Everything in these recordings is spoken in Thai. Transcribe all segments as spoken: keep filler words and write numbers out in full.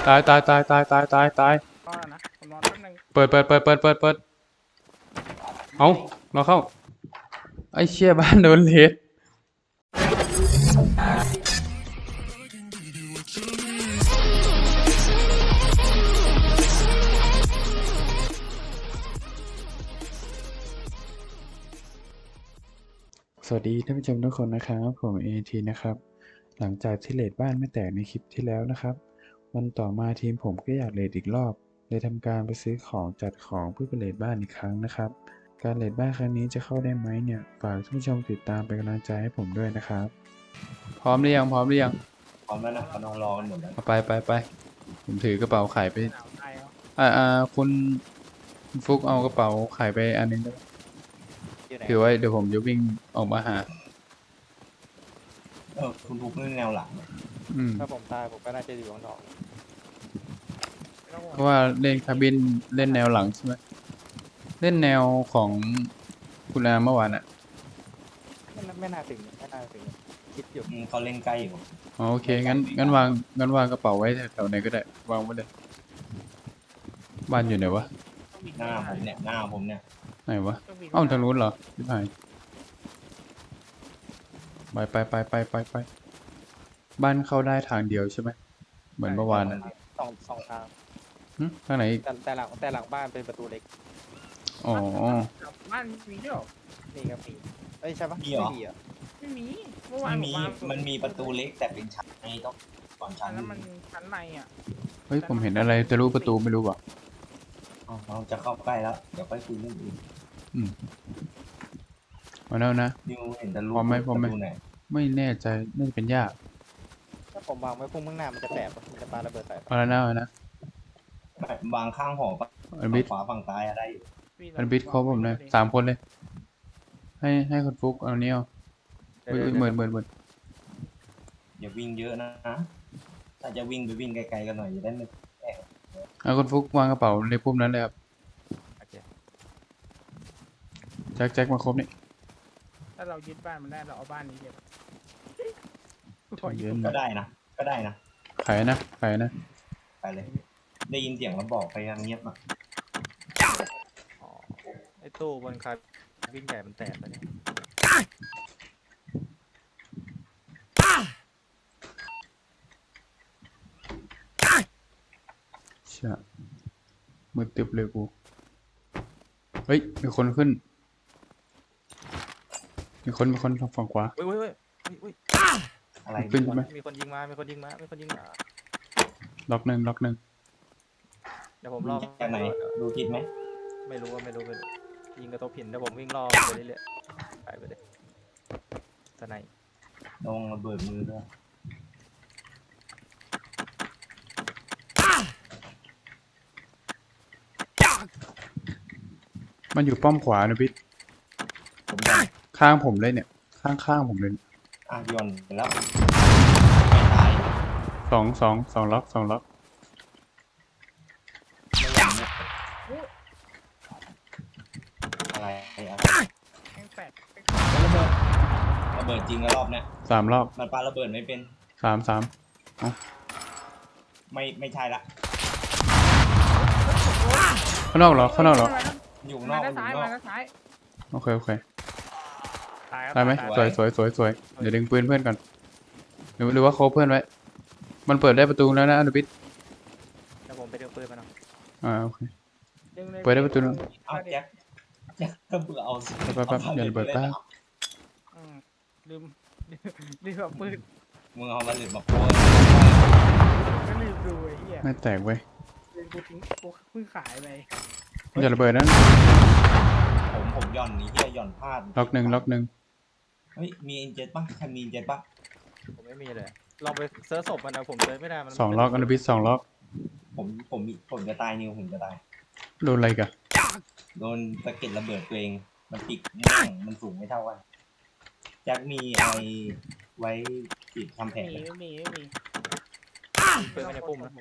ตายตายตายตายตายตายตายก็นะผมนอนแป๊บนึงเปิดเปิดเปิดเปิดเปิดเปิดเอาเราเข้าไอ้เชี่ยบ้านโดนเลสสวัสดีท่านผู้ชมทุกคนนะครับผมเอทีนะครับหลังจากที่เลดบ้านไม่แตกในคลิปที่แล้วนะครับวันต่อมาทีมผมก็อยากเลดอีกรอบเลยทำการไปซื้อของจัดของเพื่อไปเลดบ้านอีกครั้งนะครับการเลดบ้านครั้งนี้จะเข้าได้ไหมเนี่ยฝากท่านผู้ชมติดตามเป็นกำลังใจให้ผมด้วยนะครับพร้อมหรือยังพร้อมหรือยังพร้อมแล้วนะกำลังรอกันหมดแล้วไปไปไปผมถือกระเป๋าไข่ไปหนาวตายแล้วอ่าอ่าคุณฟุกเอากระเป๋าไข่ไปอันนึงได้ถือไว้เดี๋ยวผมจะวิ่งออกมาหาเออคุณทุกเล่นแนวหลังอืมถ้าผมตายผมก็น่าจะอยู่ข้างนอกเพราะว่าเล่นคาบินเล่นแนวหลังใช่ไหมเล่นแนวของคุณอาเมื่อวานอ่ะไม่น่าไม่น่าถึงไม่น่าถึงคิดอยู่อืมเขาเล่นใกล้อยู่อ๋อโอเคงั้นงั้นวางงั้นวางกระเป๋าไว้แถวไหนก็ได้วางไว้เลยบ้านอยู่ไหนวะหน้าผมเนี่ยหน้าผมเนี่ยไหนวะเอ้าทางนู้นเหรอพี่พายไปไปไปไปไปไปบ้านเข้าได้ทางเดียวใช่ไหมเหมือนเมื่อวานอ่ะสองสองทางหึทางไหนอีกแต่แต่หลังแต่หลังบ้านเป็นประตูเล็กอ๋อบ้านมีด้วยเหรอนี่ครับมีเอ้ยใช่ปะมีเหรอไม่มีอ่ะไม่มีเมื่อวานไม่มีมันมีประตูเล็กแต่เป็นชั้นในต้องก่อนชั้นนั้นมันชั้นในอ่ะเฮ้ยผมเห็นอะไรจะรู้ประตูไม่รู้ป่ะอ๋อเราจะเข้าใกล้แล้วเดี๋ยวไปคุยเรื่องอื่นอืมมาแล้วนะนิวเห็นแต่รูพร้อมไหมพร้อมไหมประตูไหนไม่แน่ใจน่าจะเป็นยากถ้าผมวางไว้พุ่งข้างหน้ามันจะแตกปะมันจะปาระเบิดใส่ปะเอาแล้วนะเอานะแบบวางข้างหอปะอันบิดขวาฝั่งซ้ายอะได้อยู่อันบิดครบผมเลยสามคนเลย ให้ให้คนฟุกเอาเนี้ยเอาเหมือนเหมือนเหมือนอย่าวิ่งเยอะนะถ้าจะวิ่งไปวิ่งไกลๆกันหน่อยจะได้ไม่แอบเอาคนฟุกวางกระเป๋าในปุ่มนั้นเลยครับแจ็คแจ็คมาครบนี่ถ้าเรายึดบ้านมันได้เราเอาบ้านนี้เก็บเย็นก็ได้นะก็ได้นะขายนะขายนะไปเลยได้ยินเสียงแล้วบอกไปยังเงียบอ่ะอ๋อไอ้ตู้บนคาวิ่งใหญ่มันแตกไปเนี่ยเชี่ยมือตึบเลยกูเฮ้ยมีคนขึ้นมีคนมีคนฝั่งขวาเว้ยเว้ยเว้ยเว้ยอะไรขึ้นใช่ไหมมีคนยิงมามีคนยิงมามีคนยิงมาล็อกหนึ่งล็อกหนึ่งเดี๋ยวผมรอจากไหนดูทิศไหมไม่รู้ว่าไม่รู้ไม่รู้ยิงกระทบหินเดี๋ยวผมวิ่งรอไปเรื่อยๆไปไปเลยทนายลงระเบิดมือด้วยมันอยู่ป้อมขวานะพี่ข้างผมเลยเนี่ยข้างข้างผมเลยอ่ะย้อนไปแล้วสองสองสองล็อกสองล็อกอะไรอะไรแข็งแตกระเบิดระเบิดจริงแล้วรอบเนี้ยสามรอบมันปาระเบิดไม่เป็นสามสามเอ้าไม่ไม่ใช่ละข้างนอกเหรอข้างนอกเหรออยู่นอกอยู่นอกโอเคโอเคได้ไหมสวยสวยสวยสวยเดี๋ยวดึงปืนเพื่อนก่อนหรือหรือว่าโคเพื่อนไว้มันเปิดได้ประตูแล้วนะอนุบิดเดี๋ยวผมไปดึงปืนมาหน่อยอ่าโอเคเปิดได้ประตูแล้วเอาแจ็คแจ็คก็เบื่อเอาแป๊บแป๊บอย่าระเบิดแป๊บลืมลืมแบบปืนมึงเอามาหลุดมาโป้ก็ลืมดูไอ้เหี้ยไม่แตกเว้ยกูทิ้งกูเพิ่งขายไปอย่าระเบิดนั้นผมผมย่อนนี้เฮียย่อนพลาดล็อกหนึ่งล็อกหนึ่งเฮ้ยมีอินเจ็ตปะใครมีอินเจ็ตปะผมไม่มีเลยลองไปเซิร์ชศพมันนะผมเซิร์ชไม่ได้มันสองล็อกอนุบิดสองล็อกผมผมผมจะตายนิวผมจะตายโดนอะไรกันโดนสะเก็ดระเบิดตัวเองมันปิดม่งมันสูงไม่เท่ากันแจ็คมีไอไว้ปิดทำแผลไม่มีไม่มีเปิดไม่ได้ปุ่มนะ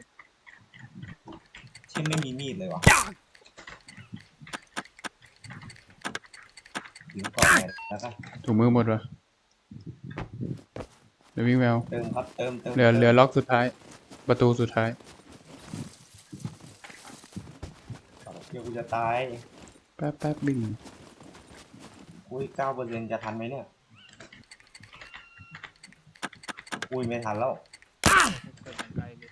ที่ไม่มีมีดเลยวะถึงก่อนแล้วกันถุงมือหมดวะเดี๋ยววิ่งแววเติมครับเติมเติมเหลือเหลือล็อกสุดท้ายประตูสุดท้ายเดี๋ยวกูจะตายแป๊บแป๊บบิงอุ้ยเก้าเปอร์เซ็นต์จะทันไหมเนี่ย อุ้ยไม่ทันแล้วเกิดอย่างไรเลย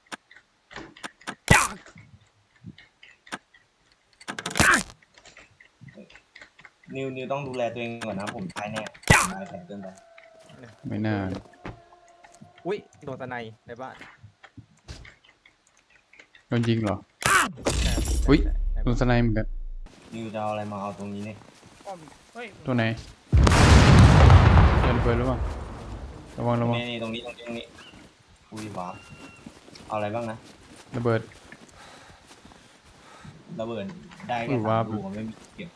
นิวนิวต้องดูแลตัวเองก่อนนะผมตายแน่ตายแผลเกินไปไม่น่าอุ้ยโดนตะไนในบ้านโดนยิงเหรอใช่อุ๊ยใช่ใช่โดนสไนเหมือนกันนิวจะเอาอะไรมาเอาตรงนี้เนี่ยป้อมเฮ้ยตัวไหนเดินไปหรือเปล่าระวังระวังนี่นี่ตรงนี้ตรงนี้ตรงนี้อุ้ยวาร์ปเอาอะไรบ้างนะระเบิดระเบิดได้อุ้แค่ยสาวาร์มปลูกอะไม่มีเก็บ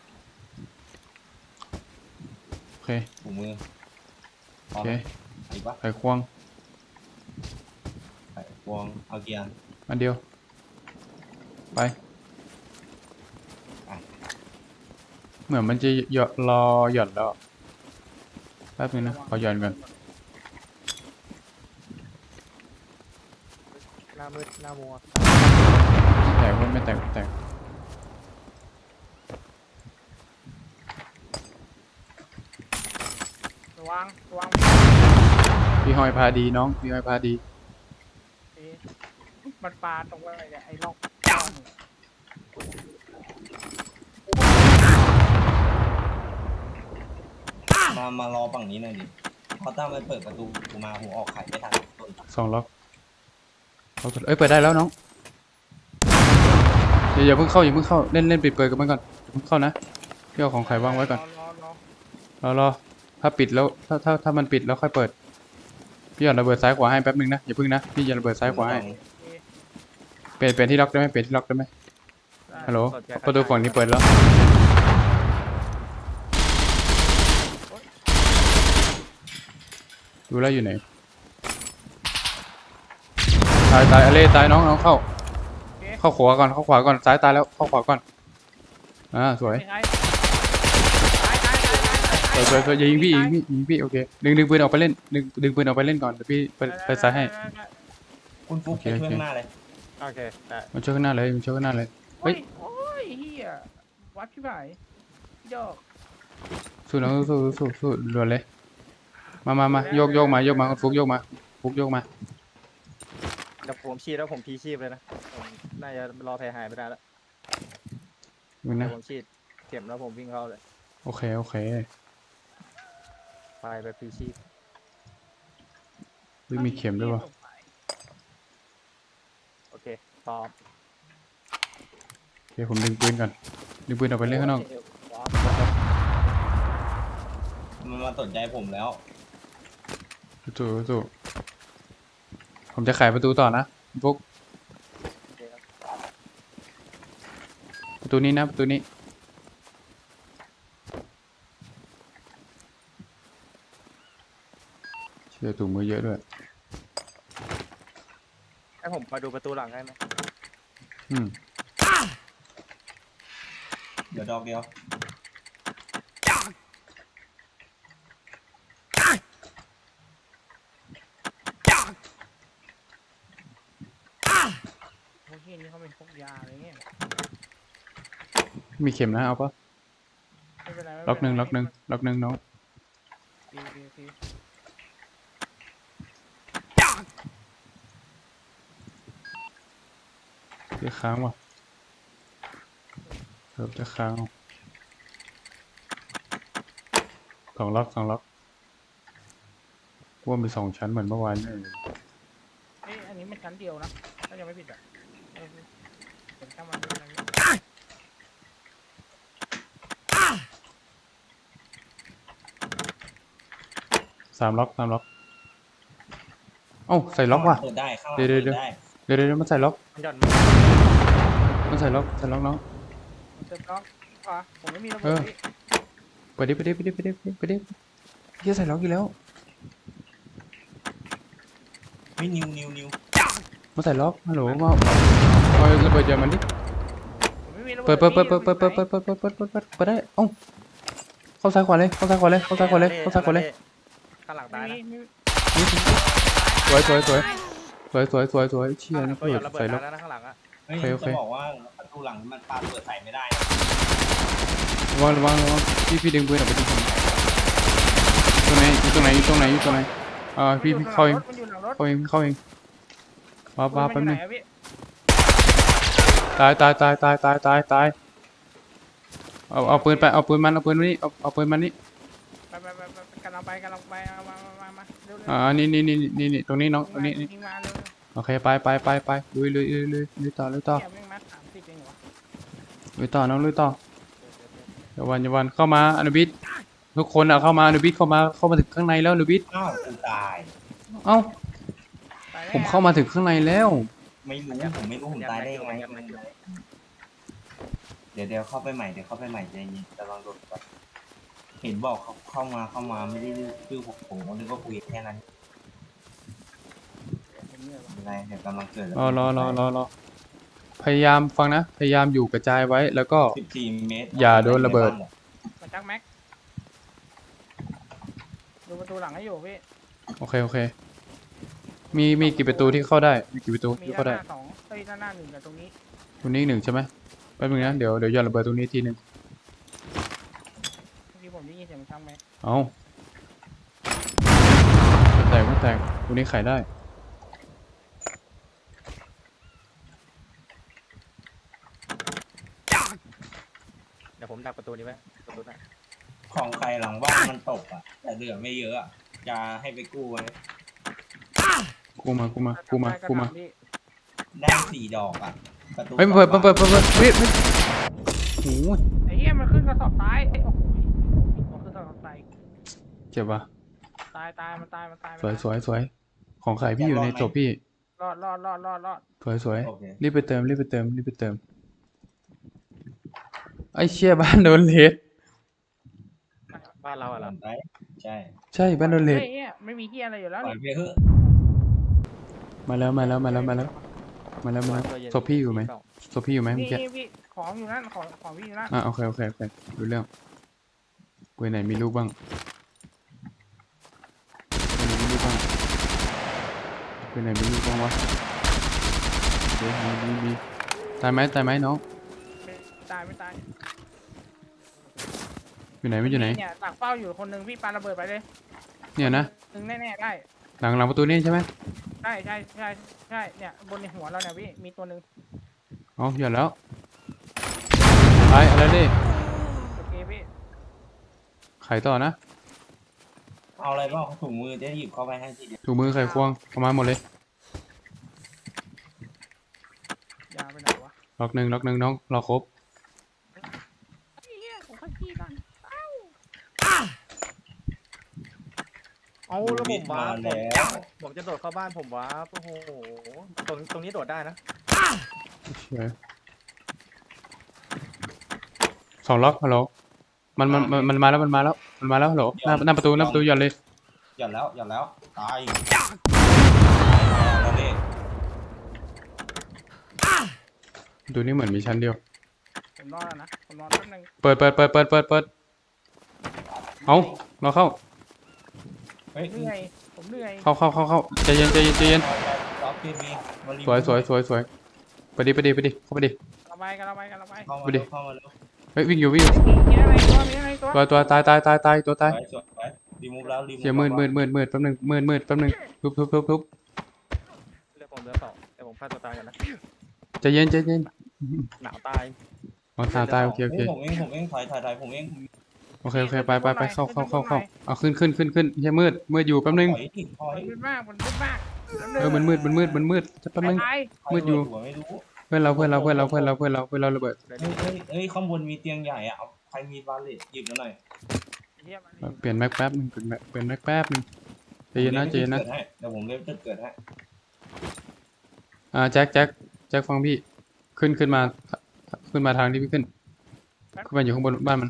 โอเคถุงมือพโออเคไหมอีกปะไขควงไข่พวงเอาเกียร์อันเดียว ไปไปเหมือนมันจะหยอดรอหย่อนแล้วแป๊บนึงนะขอหย่อนก่อนหน้ามืดหน้ามัวแตกว่าไม่แตกไม่แตกระวังระวังพี่หอยพาดีน้องพี่หอยพาดีเอ๊ะมันปลาตรงอะไรเนี่ยไอ้ล็อกก้อนเนี่ยมามารอฝั่งนี้หน่อยดิเพราะถ้ามันเปิดประตูกูมาผมออกไข่ไม่ทันต้นสองล็อกล็อกเอ้ยเปิดได้แล้วน้องอย่าอย่าเพิ่งเข้าอย่าเพิ่งเข้าเล่นเล่นปิดเปิดกันไปก่อนอย่าเพิ่งเข้านะพี่เอาของใครวางไว้ก่อนรอรอรอรอรอถ้าปิดแล้วถ้าถ้าถ้ามันปิดแล้วค่อยเปิดพี่หย่อนระเบิดซ้ายขวาให้แป๊บนึงนะอย่าเพิ่งนะพี่หย่อนระเบิดซ้ายขวาให้โอเคเปลี่ยนเปลี่ยนที่ล็อกได้ไหมเปลี่ยนที่ล็อกได้ไหมได้ฮัลโหลสดใจประตูฝั่งนี้เปิดแล้วดูแลวอยู่ไหนตายตายอเล่ตายน้องน้องเข้าโอเคเข้าขวาก่อนเข้าขวาก่อนซ้ายตายแล้วเข้าขวาก่อนอ่าสวยยังไงตายตายตายตายตายสวยสวยสวยอย่ายิงพี่ยิงพี่ยิงพี่โอเคดึงดึงปืนออกไปเล่นดึงดึงปืนออกไปเล่นก่อนเดี๋ยวพี่ไปไปซ้ายให้ได้ได้ได้คุณฟุกโอไปเคช่วยโอเคข้างหน้าเลยโอเคได้มันช่วยข้างหน้าเลยมันช่วยข้างหน้าเลย เฮ้โอ้ยยโอ้ยเฮียวัดพี่ไผ่พี่ดอกสู้น้องสู้สู้สู้สู้รวนเลยมามามาโยกโยกมาโยกมาฟุกโยกมาฟุกโยกมาเดี๋ยวผมชีพแล้วผมพีชีพเลยนะผมน่าจะรอแผลหายไม่ได้แล้วมึงเดี๋นะยวผมฉีดเข็มแล้วผมวิ่งเข้าเลยโอเคโอเคไปแบบพีชีพวิมีเข็มด้วยวะโอเคตอบโอเคผมดึงปืนก่อนดึงปืนออกไปเล่นข้างนอกว้าวมันมาสนใจผมแล้วสู้สู้ผมจะไขประตูต่อนะฟุกโอเคครับประตูนี้นะประตูนี้เชื่อถุงมือเยอะด้วยให้ผมมาดูประตูหลังได้ไหมอืมเดี๋ยวดอกเดียวโอ้ยเฮียนี่เขาเป็นพวกยาอะไรเงี้ยมีเข็มนะเอาปะไม่เป็นไรไม่เป็ไรล็อกหนึ่งล็อกหนึ่งล็อกหนึ่งน้องดีดีดีจะค้างวะเกือบจะค้างว่ะสองล็อกสองล็อกว่ามีสองชั้นเหมือนเมื่อวานนี่เอ้ยอันนี้มันชั้นเดียวนะถ้ายังไม่ผิดอ่ะเออเดี๋ยวช่างมันดูอะไรเงี้ยสามล็อกสามล็อกเอ้าใส่ล็อกว่ะเปิดได้ข้างหลังเดี๋ยวเปิเดี๋ยวดได้เดี๋ยวเดี๋ยวเดี๋ยวมันใส่ล็อกมันหย่อนมันใส่ล็อกใส่ล็อกน้องเติมล็อกขวาผมไม่มีระเบิเอดอพี่ไปดิไปดิไปดิไปดิไปดิเฮียใส่ล็อกอีกแล้วเฮ้ยนิวนิวนิวมาใส่ล็อกฮัลโหลมาเอาระเบิดเยอะมันดิผมไม่มีระเบิเปิดดเปิดเปิดเปิดพี่เปิดเปิดเปิดเปิดเปิดเปิดเปิดเปิดเปิดได้เอ้าเข้าซ้ายขวาเลยเข้าซ้ายขวาเลยเข้าซ้ายขวาเลยเข้าซ้ายขวาเลยข้างหลังไม่ตายมีนะไม่มีสวยสวยสวยสวยสวยสวยสวยเชี่ยข้างหลันี่งตัวหย่เปิอนระเบิดดใส่ล็ตาอย กแล้วนะข้างหลังอะเฮ้ยโอเคโอเคจะบอกว่าประตูหลังมันปาเปิดใส่ไม่ได้นะระวังระวังระวังพี่พี่ดึงปืนออกไปดิตรงไหนอยู่ตรงไหนอยู่ตรงไหนอยู่ตรงไหนอ่าพี่พี่เข้าเองมันอยู่หลังรถเข้าเองเข้าเองว้าว้ามัแป๊บอยู่นึไหงอะพี่ตายตายตายตายตายตายตายเอาเอาปืนไปเอาปืนมันเอาปืนมานี่เอาเอาปืนมันนี่ไปไปไปไปกำลังไปกำลังไปเอามามามามาเร็วเร็วอ่านี่นี่นี่นี่นี่ตรงนี้น้องตรงนี้นี่ยิงมาเร็วโอเคไปไปไปไปลุยลุยลุยลุยลุยต่อลุยต่อเนี่ยวิ่งมาสามสิบเองเหรอลุยต่อน้องลุยต่ออย่าวันอย่าวันเข้ามาอนุบิดทุกคนอะเข้ามาอนุบิดเข้ามาเข้ามาถึงข้างในแล้วอนุบิดอ้าวกูตายเอ้าตายแล้วผมเข้ามาถึงข้างในแล้วไม่รู้ผมไม่รู้ผมตายได้ยังไงเดี๋ยวเดี๋ยวเข้าไปใหม่เดี๋ยวเข้าไปใหม่ใจเย็นจะลองโดดก่อนเห็นบอกเขาเข้ามาเข้ามาไม่ได้ชื่อผมผมก็นึกว่าคุยแค่นั้นผมเหนื่อยว่ะอะไรเดี๋ยวกำลังเกิดรอรอรอรอรอพยายามฟังนะพยายามอยู่กระจายไว้แล้วก็สิบสี่เมตรอย่าโดนระเบิดมาจักแม็กดูประตูหลังให้อยู่พี่โอเคโอเค มีมีกี่ประตูที่เข้าได้มีกี่ประตูมีที่ด้าเข้านหได้น้าสองเอ้ยด้านหน้าหนึ่งกับตรงนี้ตรงนี้อีกหนึ่งใช่ไหมแป๊บนึงนะเดี๋ยวเดี๋ยวหย่อนระเบิดตรงนี้ทีหนึงเมื่อกี้ผมได้ยินเสียงจักแม็กเอาไม่แตกไม่แตกตรงนี้ไขได้เดี๋ยวผมดักประตูนี้ไว้ประตูหน้าของใครหลังบ้านมันตกอ่ะแต่เหลือไม่เยอะอะจะให้ไปกู้ไว้กูมากูมากูมากูมาพี่ได้สี่ดอกอ่ะประตูเฮ้ยเปิดเปิดเปิดเปิดเปิดเฮ้ยเฮ้ยโอ้โหไอ้เหี้ยมันขึ้นกระสอบตายเอ้ยโอ้โหมันขึ้นกระสอบตายเจ็บปะตายตายมันตายมันตายสวยสวยสวยของใครพี่อยู่ในศพพี่รอดรอดรอดรอดรอดสวยสวยโอเครีบไปเติมรีบไปเติมรีบไปเติมไอ้เชี่ยบ้านโดนเลดบ้านเราอะเหรอไปใช่ใช่บ้านโดนเลดเฮ้ยเนี่ยไม่มีเหี้ยอะไรอยู่แล้วปล่อยนี่ไปเถอะมาแล้วมาแล้วมาแล้วมาแล้วมาแล้วมาแล้วศพพี่อยู่ไหมศพพี่อยู่ไหมเมื่อกี้นี่พี่ของอยู่นั่นของของพี่อยู่นั่นอ่ะโอเคโอเคโอเคดูเรื่องเวยไหนมีลูกบ้างเวยไหนมีลูกบ้างเวยไหนมีลูกบ้างวะเดี๋ยวมีมีมีตายไหมตายไหมน้องไม่ตายไม่ตายอยู่ไหนไม่อยู่ไหนเนี่ยตักเป้าอยู่คนหนึ่งพี่ปาระเบิดไปเลยเนี่ยนะหนึ่งแน่ๆได้หลังหลังประตูนี่ใช่ไหมใช่ใช่ใช่ใช่เนี่ยบนในหัวเราเนี่ยพี่มีตัวหนึ่งอ๋อหย่อนแล้วตายอะไรดิโอเคพี่ไขต่อนะเอาอะไรบ้างถุงมือจะหยิบเข้าไปให้ทีเดียวถูมือไขควงเข้ามาหมดเลยยาไปไหนวะล็อกหนึ่งล็อกหนึ่งน้องรอครบไอ้เหี้ยของข้าขี้ก่อนเอ้าเอาแล้วผมมาว่าแล้วผมจะโดดเข้าบ้านผมวะโอ้โหตรงตรงนี้โดดได้นะเฉยสองล็อกฮัลโหลมันมันมันมันมาแล้วมันมาแล้วมันมาแล้วฮัลโหลหน้าหน้าประตูหน้าประตูหย่อนเลยหย่อนแล้วหย่อนแล้วตายแล้วนี่ประตูนี้เหมือนมีชั้นเดียวผมรอดแล้วนะผมรอแป๊บนึงเปิดเปิดเปิดเปิดเปิดเปิดเอาเราเข้าเฮ้ยเหนื่อยผมเหนื่อยเข้าเข้าเข้าเข้าใจเย็นใจเย็นใจเย็นล็อกทีวีมารีสวยสวยสวยสวยไปดิไปดิไปดิเข้าไปดิกระไปกระไปกระไปเข้ามาไปดิเร็วเข้ามาเร็วเฮ้ยวิ่งอยู่วิ่งอยู่มีอะไรตัวมีอะไรตัวตัวตัวตายตายตายตายตัวตายสวยสวยสวยรีมูฟแล้วรีมูฟเสียมืดมืดมืดมืดแป๊บนึงมืดมืดแป๊บนึงทุบทุบทุบทุบเลือกผมเหลือสองแต่ผมฆ่าตัวตายกันนะใจเย็นใจเย็นหนาวตายอ๋อตายตายโอเคโอเคเฮ้ยผมเองผมเองถอยถอยถอยผมเองโอเคโอเคไปไปไปเข้าเข้าเข้าเข้าเอาขึ้นขึ้นขึ้นขึ้นเฮียมืดมืดอยู่แป๊บนึงถอยดิถอยมันมืดมากมันมืดมากเออมันมืดมันมืดมันมืดจะแป๊บนึงตายมืดอยู่หัวไม่รู้เพื่อนเราเพื่อนเราเพื่อนเราเพื่อนเราเพื่อนเราเพื่อนเราระเบิดเลยเฮ้ยเฮ้ยเฮ้ยข้างบนมีเตียงใหญ่อะเอาใครมีบาเลตหยิบมาหน่อยเหี้ยมันเปลี่ยนแม็กแป๊บนึงเปลี่ยนแม็กเปลี่ยนแม็กแป๊บนึงใจเย็นนะใจเย็นนะเดี๋ยวผมเล่นจุดเกิดให้อ่าแจ็คแจ็คแจ็คฟังพี่ขึ้นขึ้นมาขึ้นมาทางที่พี่ขึ้นขึ้นมาอยู่ข้างบนบ้านมัน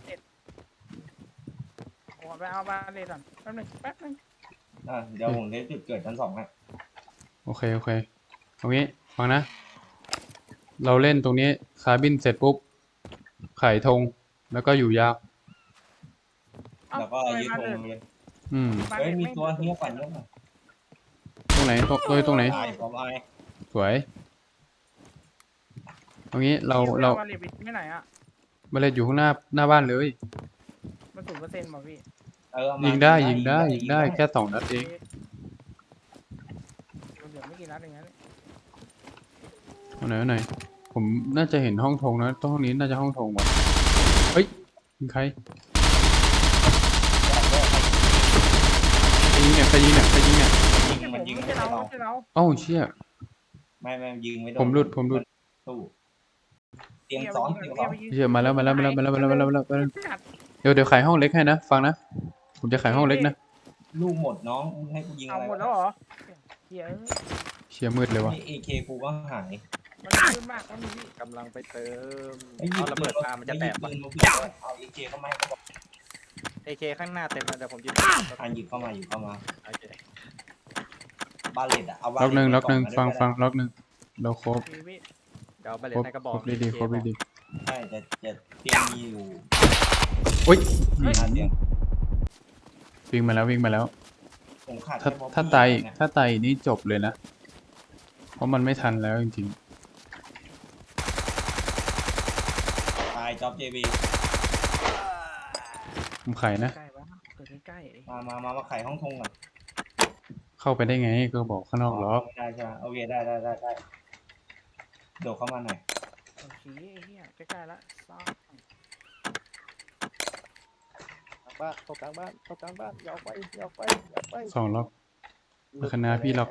ผมไปเอาบาเลตก่อนแป๊บนึงแป๊บนึงอ่ะเดี๋ยวผมเล่นจุดเกิดชั้นสองให้โอเคโอเคเอางี้ฟังนะ เราเล่นตรงนี้คาร์บินเสร็จปุ๊บไขธงแล้วก็อยู่ยาวเอ้าแล้วก็ทำไมยึดบาธเลงตเลยอืมบาเลเฮ้ยตมีไม่ตัวเฮี้ยฝันเยอะหน่อยตรงไหนตรงตรงตรงไหนตายผมไอ้สวยเอางี้เราพี่เราอมาเรียบไปที่ไหนอ่ะมาเลยอยู่ข้างหน้าหน้าบ้านเลยมันศูนย์เปอร์เซ็นต์ป่ะพี่เออเอามายิงได้ยิงได้ยิงได้แค่สองนัดเองมันเหลือไม่กี่นัดเองนะเอาไหนเอาไหนผมน่าจะเห็นห้องโถงนะห้องนี้น่าจะห้องโถงว่ะเฮ้ยยิงใครใครยิงเนี่ยใครยิงเนี่ยใครยิงเนี่ยยิงมันยิงไม่ไม่ใช่ได้เราเราไม่ใช่เราเอ้าเชี่ยไม่ไม่ยิงไม่โดนผมหลุดผมหลุดตู้เตียงซ้อนเตียงซ้อนเชี่ยมาแล้วมาแล้วมาแล้วมาแล้วมาแล้วมาแล้วมาแล้วมาแล้วเดี๋ยวเดี๋ยวขายห้องเล็กให้นะฟังนะผมจะขายห้องเล็กนะลูกหมดน้องให้กูยิงเอาอะไรหมดแล้วเหรอเฮียเชี่ยมืดเลยวะเอเคกูก็หายมันขึ้นมากแล้วมีพี่กำลังไปเติมไอ้ยิเอางระเบิดมามันจะแตกปืนมาเอาเอเคเข้ามาให้เขาบอกเอเคข้างหน้าเต็มแล้วเดี๋ยวผมจะอ่านหยิบเข้ามาหยิบเข้ามาโอเคบาเลตอะเอาบาล็อกหนึ่งเลตล็อกหนึ่งไปฟังก่อฟังล็อกหนึ่งเราครบพี่พี่เดี๋ยวเอาไปเลครยบให้กระบคอรกบดีดีครบดีดีใช่จะจะเตียงมีอยู่โอ้ยห้าเตียงวิ่งมาแล้ววิ่งมาแล้วผมขาดถ้าแค่บอบบี้ถ้าตายอีกเนี่ยถ้าตายอีกนี่จบเลยนะ เพราะมันไม่ทันแล้วจริงตายจ็อบเจบีๆผมขายนะใกล้ปะเกิดใกล้ๆดิมามามามาไขห้องทงก่อนเข้าไปได้ไงก็บอกข้างนอกล็อกได้ใช่ไหมโอเคได้ได้ได้ได้โดดเข้ามาหน่อยโอเคไอ้เหี้ยใกล้ๆละซ่าบ้านเข้ากลางบ้านเข้ากลางบ้านอย่าออกไปอย่าออกไปอย่าออกไปสองล็อกคณะพี่ล็อก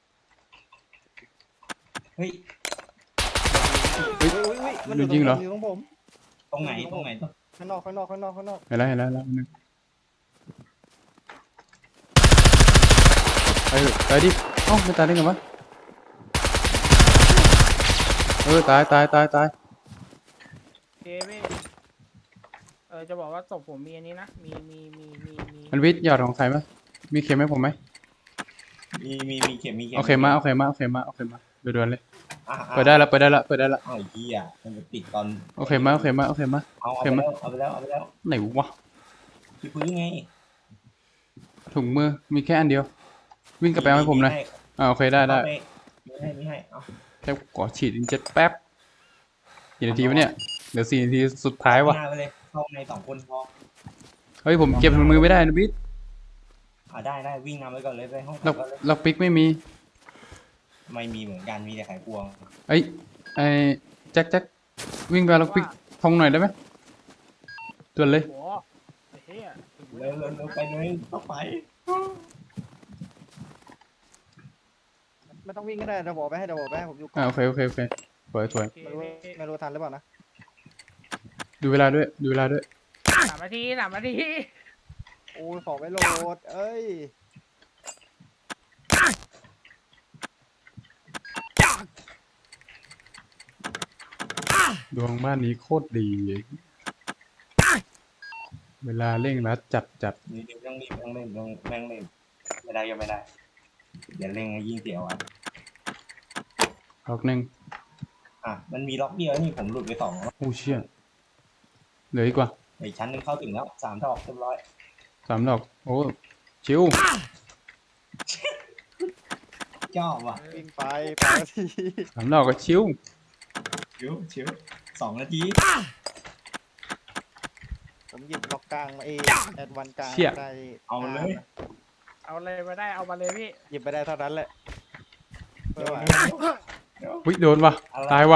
เฮ้ยเฮ้ยอุ้ยอุ้ยมันโดนยิงเหรออยู่ตรงผมตรงไหนตรงไหนตรงข้างนอกข้างนอกข้างนอกข้างนอกเห็นแล้วเห็นแล้วเห็นแล้วนึงไปเถอะตายดิเอ้าไม่ตายได้ไงวะเออตายตายตายตายเจพี่เออจะบอกว่าศพผมมีอันนี้นะมีมีมีมีมีมันวิทย์หยอดของใครไหมมีเข็มให้ผมไหมมีมีมีเข็มมีเข็มเอาเข็มมาเอาเข็มมาเอาเข็มมาเอาเข็มมาด่วนๆเลยอ่ะอ่ะเปิดได้ละเปิดได้ละเปิดได้ละเอาไอ้เหี้ยมันจะปิดตอนเอาเข็มมาเอาเข็มมาเอาเข็มมาเอาเอาเข็ไปมมาแล้วเอาไปแล้วเอาไปแล้วไหนวะที่พื้นไงถุงมือมีแค่อันเดียว วิ่งกลับไปเอาให้ผมหน่อยอ่าโอเคได้ได้เอาปไม่ให้ไม่ให้เอาแค่ขอฉีดอินเจ็ตแป๊บกี่นาทีวะเนี่ยเดี๋ยวสี่นาทีสุดท้ายวะหน้าไปเลยเข้าในสองคนพอเฮ้ยผมเก็บถุงมือไม่ได้นะบิ๊ดอ่าได้ได้วิ่งนำไปก่อนเลยไปห้องล็อกก่อนเลยล็อกปิกไม่มีไม่มีเหมือนกันมีแต่ไขควงเอ้ยไอ้แจ็คแจ็ควิ่งไปเอาล็อกปิกทงหน่อยได้ไหมด่วนเลยโหไอ้เหี้ยถึงเร็วเร็วเร็วไปเลยต้องไปไม่ต้องวิ่งก็ได้เดี๋ยวบอกไปให้เดี๋ยวบอกไปให้ผมอยู่ก่ออ่าน โอเคโอเคโอเคสวยสวยโอเคไม่รู้พี่ไม่รู้ทันหรือเปล่านะดูเวลาด้วยดูเวลาด้วยสามนาทีสามนาทีโอ้ยของไม่โหลดเอ้ยดวงบ้านนี้โคตรดี เวลาเร่งรัดจัดจัดนี่เร่งรีบต้องเล่นต้องแม่งเล่นไม่ได้ก็ไม่ได้เดี๋ยวเร่งให้ยิ่งเสียวอ่ะล็อกหนึ่งอ่ะมันมีล็อกเดียวนี่ผมหลุดไปสองแล้วโอ้เชี่ยเหลืออีกว่าอีกชั้นหนึงเข้าถึงแล้วสามดอกเรียบร้อยสามดอกโอ้ชิวชอบว่ะวิ่งไปไปทีสามดอกก็ชิวชิวชิวสองนาทีผมหยิบล็อกกลางมาเองแอดวันกลางได้เอาเลยเอาเลยมาได้เอามาเลยพี่หยิบไปได้เท่านั้นแหละเร็วไม่เร็ไหววเร็ววิโดนว่ะตายว่ะ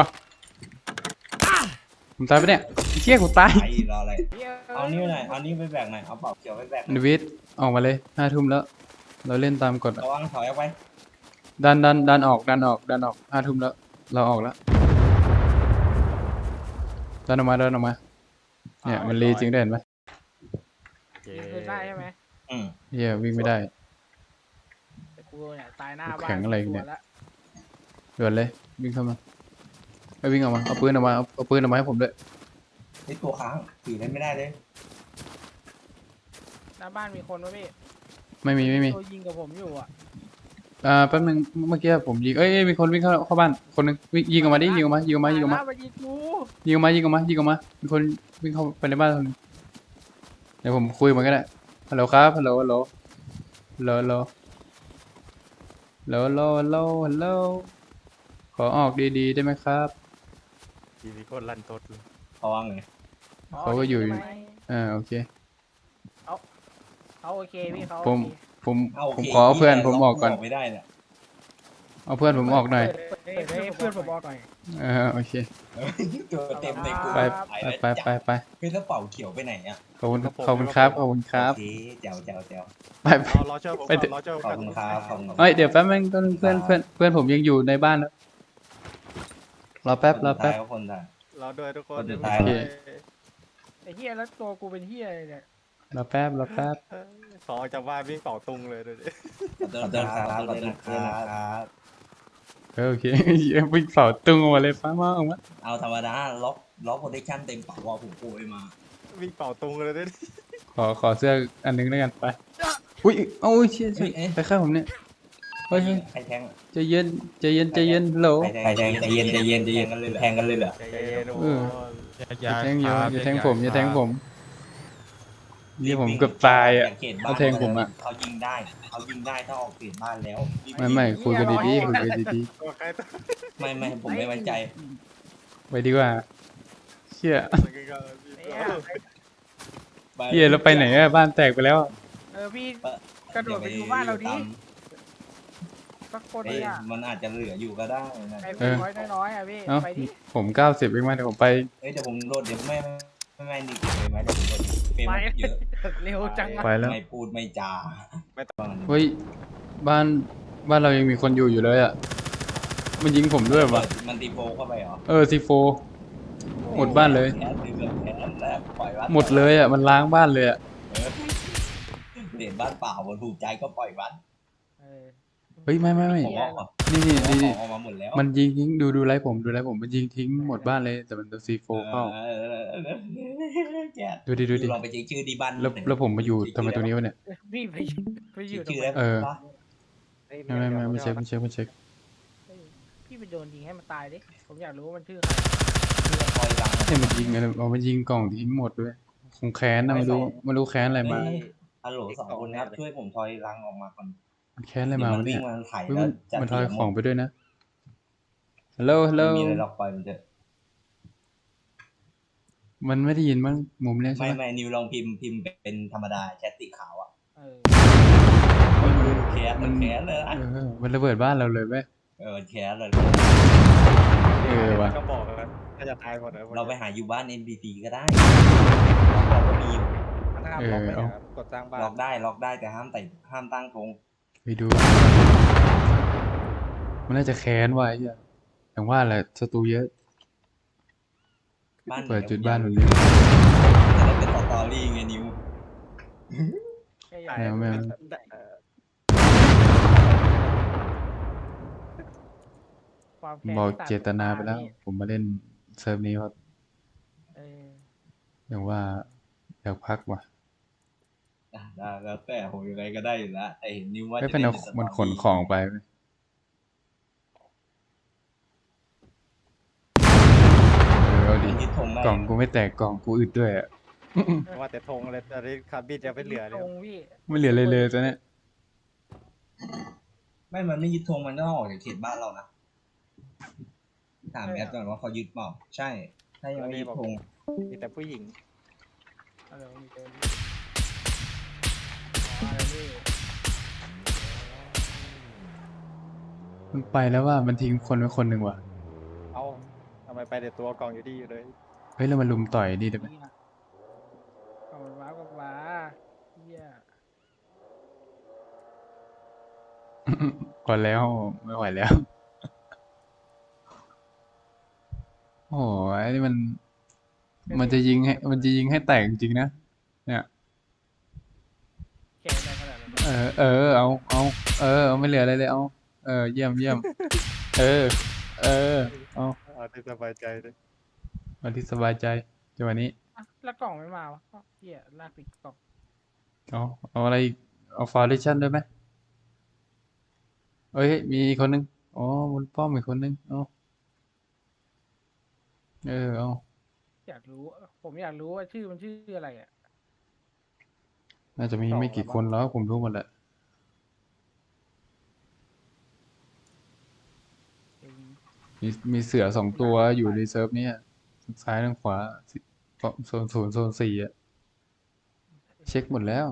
ผมตายไปะเนี่ยไอ้เชี่ยกูตายไปรออะไรเหี้ยเอานี่หน่อยเอานี่ไปแบกหน่อยเอาเป่าเขียวไปแบกหน่นอยวิทย์ออกมาเลยห้าทุ่มแล้ว เราเล่นตามกฎอะระวังถอยออกไปดันดันดันออกดันออกดันออกห้าทุ่มแล้ว เราออกแล้วดันออกมาดันออกมา เนี่ยมันรีจริงได้เห็นไหมยิงคืนได้ใช่ไหมอืมเฮียวิ่งไม่ได้แต่กูเนี่ยตายหน้าบ้านแข็งอะไรเนี่ยสวแล้วด่วนเลยวิ่งเข้ามาไปวิ่งออกมาเอาปืนออกมาเอาเอาปืนออกมาให้ผมด้วยนี่ตัวค้างถือเล่นไม่ได้เลยหน้าบ้านมีคนวะพี่ไม่มีไม่มีตัวยิงกับผมอยู่อ่ะอ่าแป๊บนึงเมื่อกี้ผมยิงเอ้ยเอ้ยมีคนวิ่งเข้าเข้าบ้านคนนึงวิ่งยิงออกมาดิยิงออกมายิงออกมายิงออกมาตยแล้วยิงกูยิงออกมายิงออกมายิงออกมามีคนวิ่งเข้าไปในบ้านคนนึงเดี๋ยวผมคุยมันก็ได้ฮัลโหลครับฮัลโหลฮัลโหลฮัลโหลฮัลโหลฮัลโหลฮัลโหลฮัลโหลฮัลโหลขอออกดีๆได้ไหมครับทีมีคนลั่นทดเลยเขาว่าไงเขาก็อยู่ใช่ไหมอ่าโอเคเขาโอเคพี่เขาผมโอเคผมเอาโอผมเคขอเอาเพื่อนหี้ยผมออกก่อนล็ไม่ได้เนี่ยเอาเพื่อนผมออกหน่อยเปิดเปิดให้เพื่อนผมออกหน่อยเออโอเคตัวเต็มในกลุ่มไปไปไปไปไปไปเฮ้ยแล้วเป่าเขียวไปไหนอ่ะขอบคุณขอบคุณครับขอบคุณครับโอเคแจ๋วแจ๋วแจ๋วไปไปเอารอเชื่อผมไปก่อนเถอะรอเชื่อผมขอบก่อนคุณครับขอบคุณครับเอ้ยเดี๋ยวแป๊บนึงต้นเพื่อนเพื่อนเพื่อนผมยังอยู่ในบ้านนะรอแป๊บรอแป๊บคนสุดท้ายรอด้วยทุกคนคนสุเดี๋ยวดท้ายผมไปไอ้เหี้ยแล้วตัวกูเป็นเหี้ยอะไรเนี่ยรอแป๊บรอแป๊บเออขอออกจากบ้านวิ่งเป่าตุงเลยดูดิขอโทษครับขอโทษนะครับเออโอเคเหี้ยวิ่งเสาตึงออกมาเลยฟ้ามาออกมาเอาธรรมดาล็อกล็อกโปรเทคชั่นเต็มเป่าว่าผมโกยมาวิ่งเป่าตุงเลยดูดิขอขอเสื้ออันนึงแล้วกันไปอุ้ยเอ้าอุ้ยเชี่ยเชี่ยเอ้ยไปข้างผมเนี่ยเฮ้ยเฮ้ยใครแทงใจเย็นใจเย็นใจเย็นฮัลโหลใครแทงใจเย็นใจเย็นใจเย็นกันเลยแทงกันเลยเหรอใจเย็นโอ้เออ อย่าแทงอยู่อย่าแทงผมอย่าแทงผมนี่ผมเกือบตายอ่ะ เขาแทงผมอะเขายิงได้เขายิงได้ถ้าออกเขตบ้านแล้วไม่ไม่คุยกันดีๆคุยกันดีตัวใครตัวไม่ไม่ผมไม่ไว้ใจๆไปดีกว่าเชี่ยมันก็ไอ้เหี้ยเฮียแล้วไปไหนอะบ้านแตกไปแล้วอะเออพี่กระโดดไปดูบ้านเราดิสักคนเอ้ยเนี่ยมันอาจจะเหลืออยู่ก็ได้นะไอ้พี่น้อยน้อยๆอ่ะพี่เอ้าไปดิผมเก้าสิบเองมาเดี๋ยวผมไปเอ้ยเดี๋ยวผมโดดเดี๋ยวไม่ไม่ไม่นี่เลยไหมเดี๋ยวผมโดดเฟรมไปเยอะเร็วจังไปอะแล้วไม่พูดไม่จาเฮ้ยบ้านบ้านเรายังมีคนอยู่อยู่เลยอ่ะมันยิงผมด้วยวะมันตีโฟเข้าไปเหรอเออซีโฟ หมดบ้านเลยแขนดึงแบบแขนแล้วปล่อยบ้านหมดเลยอ่ะมันล้างบ้านเลยอ่ะเออเห็นบ้านเปล่ามันถูกใจก็ปล่อยบ้านเออเฮ้ยไม่ไม่ไม่ผมออกนี่นี่ผมนี่ออกมาหมดแล้วมันยิงทิ้งดูดูไลฟ์ผมดูไลฟ์ผมมันยิงทิ้งหมดบ้านเลยแต่มันโดนซีโฟเข้าเออแกดูดิดูดิลองไปเช็คชื่อดีบ้านแล้วแล้วผมมาอยู่ทำไมตรงนี้วะเนี่ยพี่ไปไปอเช็ยู่คตรงชื่อไหนได้เออปะไม่ไม่ไม่ไม่เช็คไม่เช็คไม่เช็คเฮ้ยพี่ไปโดนยิงให้มันตายดิผมอยากรู้ว่ามันชื่อชื่อคอยรังเนี่ยมันยิงอะไรเอามันยิงกล่องทิ้งหมดด้วยคงแค้นนะไม่รู้ไม่รู้แค้นอะไรมาเฮ้ยฮัลโหลสองคนครับช่วยผมทอยรังออกมาก่อนมันแค้นอะไรเดี๋ยวมามัวะนวิ่เนี่งยมาถ่ายเฮ้ยแล้มัวน จะมันทอยเสียของไปด้วยนะฮัลโหลฮัลโหลไม่มีอะไรหรอกปล่อยมันเถอะมันไม่ได้ยินมั้งมุมเนี้ยใช่ไม่ไหมไม่นิวลองพิมพ์พิมพ์เป็นธรรมดาแชทสีขาวอ่ะเออแคสมันแคสเลยนะเออมันระเบิดบ้านเราเลยไหมเออแคสเลยเออว่ะก็บอกกันถ้าจะตายหมดเลยเราไปหาอยู่บ้าน เอ็น พี ซี ก็ได้เราก็มีอยู่ห้ามล็อกไม่ได้ครับกดสร้างบ้านล็อกได้ล็อกได้แต่ห้ามแต่ห้ามตั้งธงไปดู มันน่าจะแค้นไว้อะอย่างว่าแหละศัตรูเยอะบ้านเปิดจุดบ้านตรงนี้จะได้เป็นสตอรี่ไงนิวแค่อยากแมวแมวเออความแค้นบอกที่เจตนาไปแล้วนี่ผมมาเล่นเซิร์ฟนี้เพราะเอออย่างว่าอยากพักว่ะอ่ะได้แล้วแต่ผมยังไงก็ได้อยู่แล้วแต่เห็นนิวว่าไม่จะเป็นล่เอาสตรี่มันขนของไปไหมเออเอาดิมันยึดธงได้กล่องกูไม่แตกกล่องกูอึดด้วยอะว่าแต่ธงเลยตอนนี้คาร์บินจะไม่เหลือเลยตรงพี่ไม่เหลือเลยเลยตอนเนี้ยไม่มันไม่ยึดธงมันก็ออกจากเขตบ้านเรานะถามแอดก่อนว่าเขายึดเปล่าใช่ ถ้ายังไม่ยึดธงมีแต่ผู้หญิงอะไรวะมีเจออ๋ออะไรพี่มันไปแล้วว่ามันทิ้งคนไว้คนหนึ่งว่ะเอ้าทำไมไปแต่ตัวกล่องอยู่ดีอยู่เลยเฮ้ยแล้วมันลุมต่อยดีได้ไหมนี่นะเอาว้าวกับว้าเฮียก่อนแล้วไม่ไหวแล้ว โอ้ยนี่มัน มันจะยิงให้ มันจะยิงให้แตกจริงๆนะ เนี่ยแค้นอะไรขนาดนั้นเออ เออ เอา เอา เออ เอาไม่เหลืออะไรเลย เอา เออ เยี่ยมเยี่ยม เออ เออ เอาเอาที่สบายใจเลยวันที่สบายใจจังหวะนี้อ่ะแล้วกล่องไม่มาวะอ้าวเฮียลากปิดกล่องเอา เอาอะไรอีกเอาฟาวเดชั่นด้วยไหมเอ้ย มีอีกคนนึง อ๋อบนป้อมอีกคนนึง เอาเออ เอาอยากรู้ ผมอยากรู้ว่าชื่อมันชื่ออะไรอ่ะน่าจะมีไม่กี่คนแล้วผมรู้หมดแหละ มีมีเสือสองตัวอยู่ในเซิร์ฟเนี้ยซ้ายทางขวาสิโซนศูนย์โซนสี่อะเช็คหมดแล้ว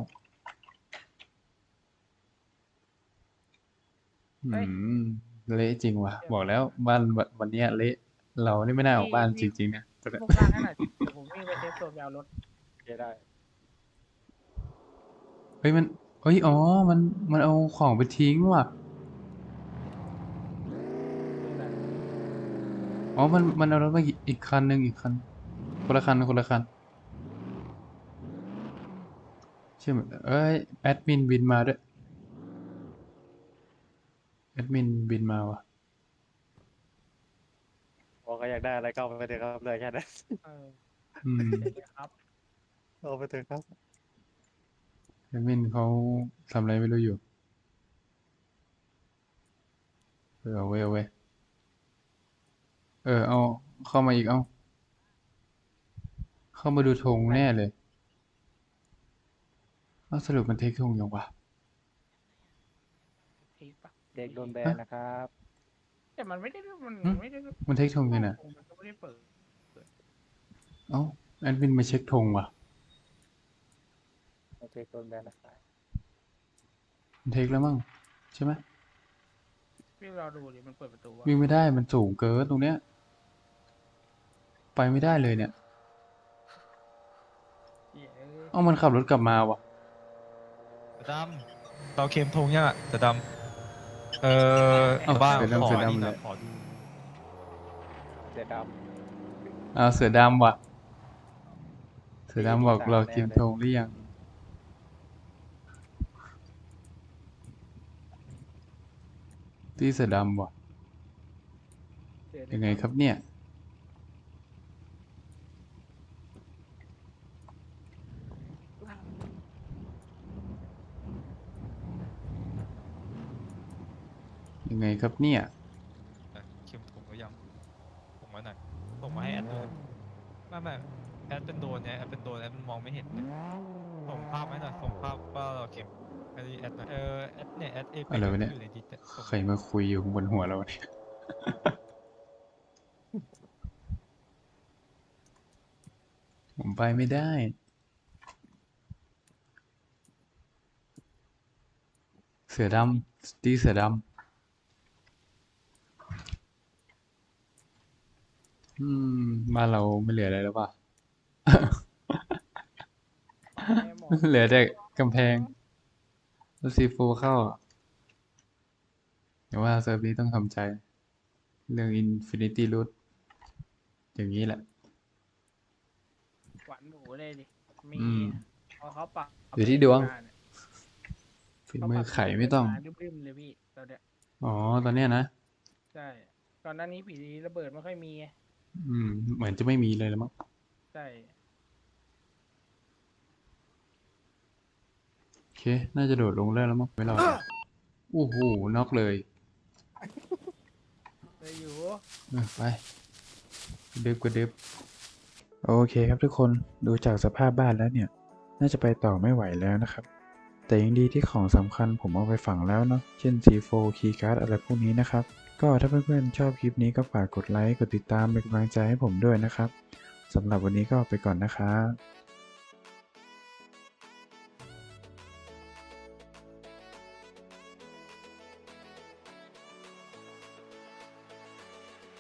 อืมเละจริงว่ะบอกแล้วบ้านวันวันเนี้ยเละเรานี่ไม่น่าออกบ้านจริงๆนะตอนเนี้ยพวกล่างให้หน่อยเดี๋ยวผมวิ่งไปเซฟโซนไปเอารถโอเคได้เฮ้ยมันเฮ้ยอ๋อมันมันเอาของไปทิ้งว่ะนี่แหละอ๋อ มัน มันเอารถมาอีกอีกคันหนึ่งอีกคัน คนละคัน คนละคันใช่ไหมเอ้ย แอดมินบินมาด้วย แอดมินบินมาว่ะบอกก็อยากได้อะไรก็เอาไปเถอะครับเลยแค่นั้นเอออืมเดี๋ยวนะครับเอาไปเถอะครับแอดมินเขาทำอะไรไม่รู้อยู่ เออเอาไว้เอาไว้เออ เอา เข้ามาอีก เอา เข้ามาดูธงแน่เลยเอาสรุปมันเทคธงยังวะทีปะเด็กโดนแบนนะครับแต่มันไม่ได้มันหึไม่ได้มันเทคธงยังไงมันก็ไม่ได้เปิดเอ้า แอดมินมาเช็คธงว่ะเด็กโดนแบนนะครับมันเทคแล้วมั้งใช่ไหมพี่เราดูดิมันเปิดประตูวะวิ่งไม่ได้ มันสูงเกินตรงเนี้ย ไปไม่ได้เลยเนี่ยเหี้ยเอ้ยเอ้ามันขับรถกลับมาว่ะจะดำเราเค็มทงยังอ่ะจะดำเออเอ้าบ้างเสือดำขอเสือดำนี่เลนะยขอดูเดี๋ยวดอ้าวเสือดำว่ะ เสือดำบอกสี่สิบสามเราแน่กินเลยธงหรือยัง ที่เสือดำว่ะเดี๋ยวยังไงครับเนี่ย ยังไงครับเนี่ยเค็มทงหรือยังส่งมาหน่อยส่งมาให้แอดด้วยไม่ไม่แอดเป็นโดนเนี่ยแอดเป็นโดนแอดมันมองไม่เห็นเนี่ยส่งภาพไหมหน่อยส่งภาพว่าเราเค็มไอ้แอดหน่อยเออแอดเนี่ยแอดเอฟอะไรวะเนี่ยอยู่ในดิสเนี่ยส่งใครมาคุยอยู่บนหัวเราเนี่ย ผมไปไม่ได้ เสือดำตีเสือดำ อืมบ้านเราไม่เหลืออะไรแล้วป่ะแม่หมอเหลือแต่กำแพงแล้วซีโฟเข้าอะแต่ว่าเซิร์ฟนี้ต้องทำใจ เรื่อง Infinity Root อย่างนี้แหละหวานหมูเลยดิ มีอืมพอเขาปรับอยู่ที่ดวงมาเนี่ยฝีมือไข่ไม่ต้องเขาปรับริมๆเลยพี่ตอนเนี้ยอ๋อ ตอนเนี้ยนะใช่ก่อนหน้านี้ผีระเบิดไม่ค่อยมีไงอืม เหมือนจะไม่มีเลยแล้วมั้งใช่โอเค น่าจะโดดลงได้แล้วมั้งไม่รอดโอ้โหน็อกเลยเลยอยู่เออไปกระดึบกระดึบโอเคครับทุกคนดูจากสภาพบ้านแล้วเนี่ย น่าจะไปต่อไม่ไหวแล้วนะครับ แต่ยังดีที่ของสำคัญผมเอาไปฝังแล้วเนาะเช่น ซี โฟร์ Keycard อะไรพวกนี้นะครับ ก็ถ้าเพื่อนๆชอบคลิปนี้ก็ฝากกดไลค์กดติดตามเป็นกำลังใจให้ผมด้วยนะครับสำหรับวันนี้ก็ไปก่อนนะครับ